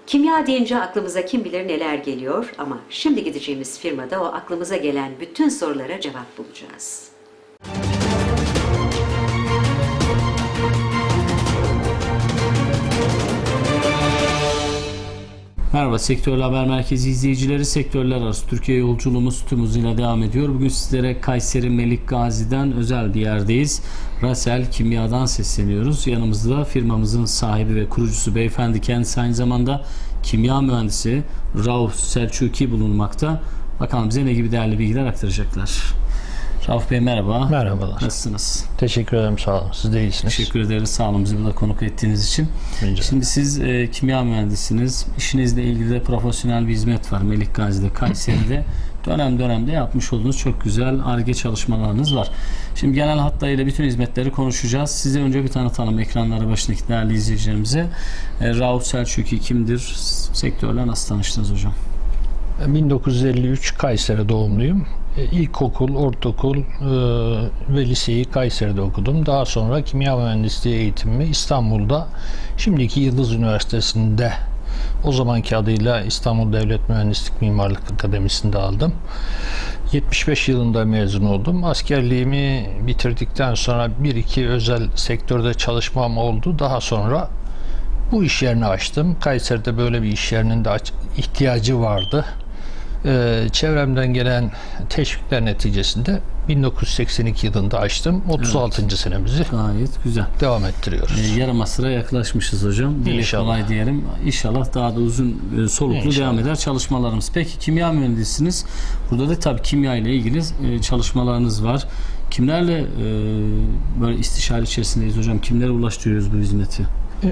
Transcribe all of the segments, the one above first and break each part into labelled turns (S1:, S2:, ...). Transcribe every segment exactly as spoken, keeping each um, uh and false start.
S1: Kimya deyince aklımıza kim bilir neler geliyor ama şimdi gideceğimiz firmada o aklımıza gelen bütün sorulara cevap bulacağız.
S2: Merhaba Sektörler Haber Merkezi izleyicileri, sektörler arası Türkiye yolculuğumuz tüm hızıyla devam ediyor. Bugün sizlere Kayseri Melik Gazi'den özel bir yerdeyiz. Rasel Kimya'dan sesleniyoruz. Yanımızda firmamızın sahibi ve kurucusu beyefendi, kendisi aynı zamanda kimya mühendisi Rauf Selçuki bulunmakta. Bakalım bize ne gibi değerli bilgiler aktaracaklar. Rauf Bey merhaba.
S3: Merhabalar.
S2: Nasılsınız?
S3: Teşekkür ederim, sağ olun. Siz de iyisiniz.
S2: Teşekkür ederiz. Sağ olun bizi burada konuk ettiğiniz için.
S3: Rica
S2: Şimdi siz e, kimya mühendisiniz. İşinizle ilgili de profesyonel bir hizmet var Melik Gazi'de, Kayseri'de. Dönem dönemde yapmış olduğunuz çok güzel Ar-Ge çalışmalarınız var. Şimdi genel hatlarıyla bütün hizmetleri konuşacağız. Size önce bir tanıtalım ekranları başındaki değerli izleyicilerimize. E, Rauf Selçuki kimdir? Sektörle nasıl tanıştınız hocam?
S3: bin dokuz yüz elli üç Kayseri doğumluyum. İlkokul, ortaokul e, ve liseyi Kayseri'de okudum. Daha sonra kimya mühendisliği eğitimimi İstanbul'da, şimdiki Yıldız Üniversitesi'nde, o zamanki adıyla İstanbul Devlet Mühendislik Mimarlık Akademisi'nde aldım. yetmiş beş yılında mezun oldum. Askerliğimi bitirdikten sonra bir iki özel sektörde çalışmam oldu. Daha sonra bu iş yerini açtım. Kayseri'de böyle bir iş yerinin de ihtiyacı vardı. Ee, çevremden gelen teşvikler neticesinde bin dokuz yüz seksen iki yılında açtım. otuz altıncı Evet. senemizi
S2: gayet güzel
S3: devam ettiriyoruz.
S2: Ee, yarım asıra yaklaşmışız hocam. Dile kolay diyelim. İnşallah daha da uzun e, soluklu İnşallah. devam eder çalışmalarımız. Peki kimya mühendisiniz. Burada da tabii kimya ile ilgili e, çalışmalarınız var. Kimlerle e, böyle istişare içerisindeyiz hocam? Kimlere ulaştırıyoruz bu hizmeti?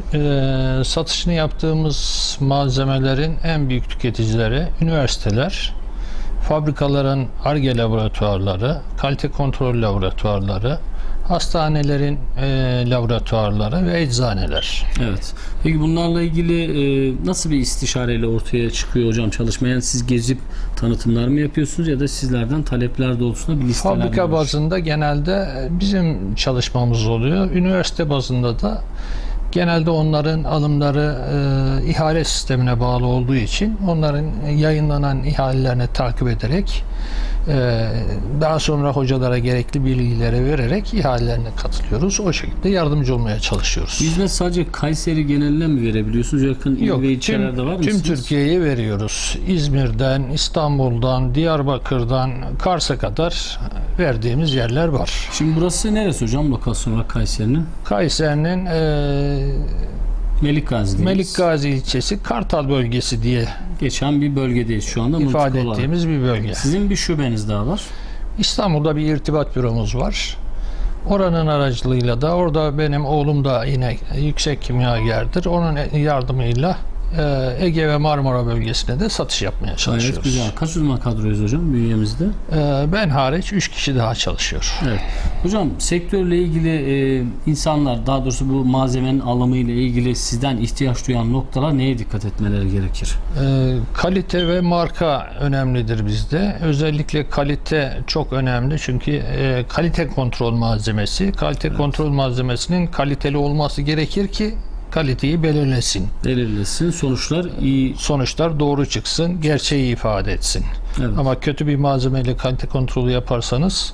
S3: E, satışını yaptığımız malzemelerin en büyük tüketicileri üniversiteler, fabrikaların Ar-Ge laboratuvarları, kalite kontrol laboratuvarları, hastanelerin e, laboratuvarları ve eczaneler.
S2: Evet. Peki bunlarla ilgili e, nasıl bir istişareyle ortaya çıkıyor hocam çalışma? Yani siz gezip tanıtımlar mı yapıyorsunuz ya da sizlerden talepler doğrultusunda bir listeler mi?
S3: Fabrika bazında genelde bizim çalışmamız oluyor. Üniversite bazında da genelde onların alımları e, ihale sistemine bağlı olduğu için onların yayınlanan ihalelerini takip ederek e, daha sonra hocalara gerekli bilgileri vererek ihalelerine katılıyoruz. O şekilde yardımcı olmaya çalışıyoruz.
S2: Hizmet sadece Kayseri geneline mi verebiliyorsunuz? Yakın il
S3: Yok,
S2: ve ilçelerde var mısınız?
S3: Tüm Türkiye'ye veriyoruz. İzmir'den, İstanbul'dan, Diyarbakır'dan, Kars'a kadar verdiğimiz yerler var.
S2: Şimdi burası neresi hocam lokasyon olarak Kayseri'nin?
S3: Kayseri'nin e,
S2: Melik Gazi'deyiz.
S3: Melik Gazi ilçesi Kartal bölgesi diye
S2: geçen bir bölgedeyiz şu anda.
S3: ifade ettiğimiz olarak bir bölge.
S2: Sizin bir şubeniz daha var.
S3: İstanbul'da bir irtibat büromuz var. Oranın aracılığıyla da orada benim oğlum da yine yüksek kimyagerdir. Onun yardımıyla Ege ve Marmara bölgesine de satış yapmaya çalışıyoruz.
S2: Evet, güzel. Kaç uzman kadroyuz hocam bünyemizde?
S3: Ben hariç üç kişi daha çalışıyor.
S2: Evet. Hocam sektörle ilgili e, insanlar, daha doğrusu bu malzemenin alımı ile ilgili sizden ihtiyaç duyan noktalar neye dikkat etmeleri gerekir?
S3: E, kalite ve marka önemlidir bizde. Özellikle kalite çok önemli çünkü e, kalite kontrol malzemesi, kalite evet. kontrol malzemesinin kaliteli olması gerekir ki kaliteyi belirlesin.
S2: Belirlesin. Sonuçlar iyi.
S3: Sonuçlar doğru çıksın. Gerçeği ifade etsin. Evet. Ama kötü bir malzemeyle kalite kontrolü yaparsanız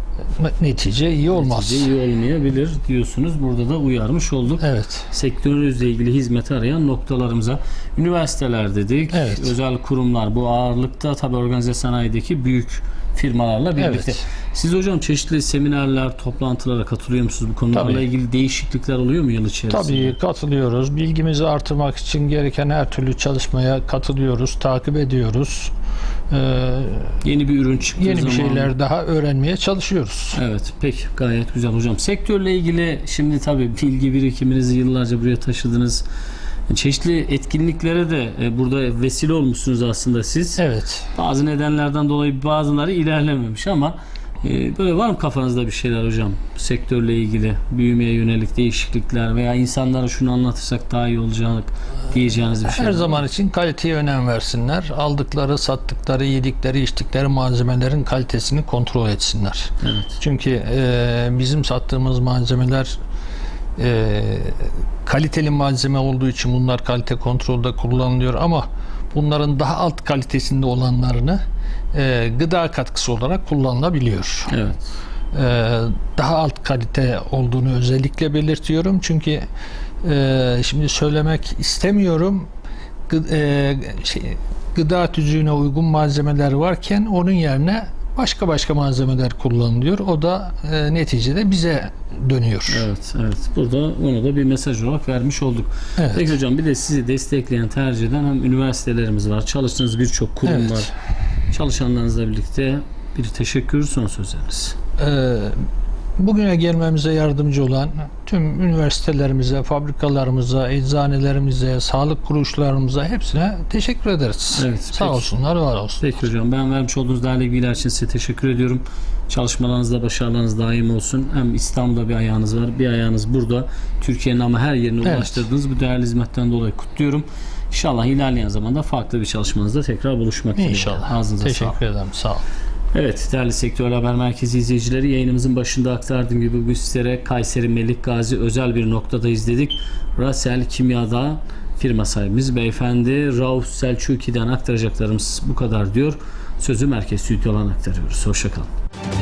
S3: netice iyi olmaz.
S2: Netice iyi olmayabilir diyorsunuz. Burada da uyarmış olduk.
S3: Evet.
S2: Sektörünüzle ilgili hizmet arayan noktalarımıza. Üniversiteler dedik.
S3: Evet.
S2: Özel kurumlar. Bu ağırlıkta tabii organize sanayideki büyük firmalarla birlikte. Evet. Siz hocam çeşitli seminerler, toplantılara katılıyor musunuz? Bu konularla Tabii. ilgili değişiklikler oluyor mu yıl içerisinde?
S3: Tabii katılıyoruz. Bilgimizi artırmak için gereken her türlü çalışmaya katılıyoruz, takip ediyoruz. Ee,
S2: yeni bir ürün çıktığı
S3: yeni
S2: zaman...
S3: bir şeyler daha öğrenmeye çalışıyoruz.
S2: Evet, peki gayet güzel hocam. Sektörle ilgili şimdi tabii bilgi birikiminizi yıllarca buraya taşıdınız. Çeşitli etkinliklere de burada vesile olmuşsunuz aslında siz.
S3: Evet.
S2: Bazı nedenlerden dolayı bazıları ilerlememiş ama böyle var mı kafanızda bir şeyler hocam? Sektörle ilgili büyümeye yönelik değişiklikler veya insanlara şunu anlatırsak daha iyi olacak diyeceğiniz bir şey.
S3: Her zaman için kaliteye önem versinler. Aldıkları, sattıkları, yedikleri, içtikleri malzemelerin kalitesini kontrol etsinler.
S2: Evet.
S3: Çünkü e, bizim sattığımız malzemeler e, kaliteli malzeme olduğu için bunlar kalite kontrolde kullanılıyor ama bunların daha alt kalitesinde olanlarını e, gıda katkısı olarak kullanılabiliyor.
S2: Evet.
S3: E, daha alt kalite olduğunu özellikle belirtiyorum çünkü e, şimdi söylemek istemiyorum. Gı, e, şey, gıda tüzüğüne uygun malzemeler varken onun yerine başka başka malzemeler kullanılıyor. O da e, neticede bize dönüyor.
S2: Evet, evet. Burada onu da bir mesaj olarak vermiş olduk.
S3: Evet.
S2: Peki hocam, bir de sizi destekleyen, tercih eden hem üniversitelerimiz var, çalıştığınız birçok kurum
S3: Evet.
S2: var. Çalışanlarınızla birlikte bir teşekkür, son sözleriniz.
S3: E, bugüne gelmemize yardımcı olan tüm üniversitelerimize, fabrikalarımıza, eczanelerimize, sağlık kuruluşlarımıza hepsine teşekkür ederiz.
S2: Evet,
S3: Sağ
S2: peki.
S3: olsunlar, var olsun.
S2: Peki hocam, ben vermiş olduğunuz değerli bilgiler için size teşekkür ediyorum. Çalışmalarınızda başarılarınız daim olsun. Hem İstanbul'da bir ayağınız var, bir ayağınız burada. Türkiye'nin ama her yerine
S3: Evet.
S2: ulaştırdığınız bu değerli hizmetten dolayı kutluyorum. İnşallah ilerleyen zamanda farklı bir çalışmanızda tekrar buluşmak dileğiyle.
S3: İnşallah.
S2: Ağzınıza sağlık.
S3: Teşekkür ederim. Sağ olun.
S2: Evet, değerli Sektör Haber Merkezi izleyicileri, yayınımızın başında aktardığım gibi bugün sizlere Kayseri Melik Gazi özel bir noktada izledik. Rasel Kimya'da firma sahibimiz beyefendi Rauf Selçuki'den aktaracaklarımız bu kadar diyor. Sözü merkez stüdyodan aktarıyoruz. Hoşçakalın.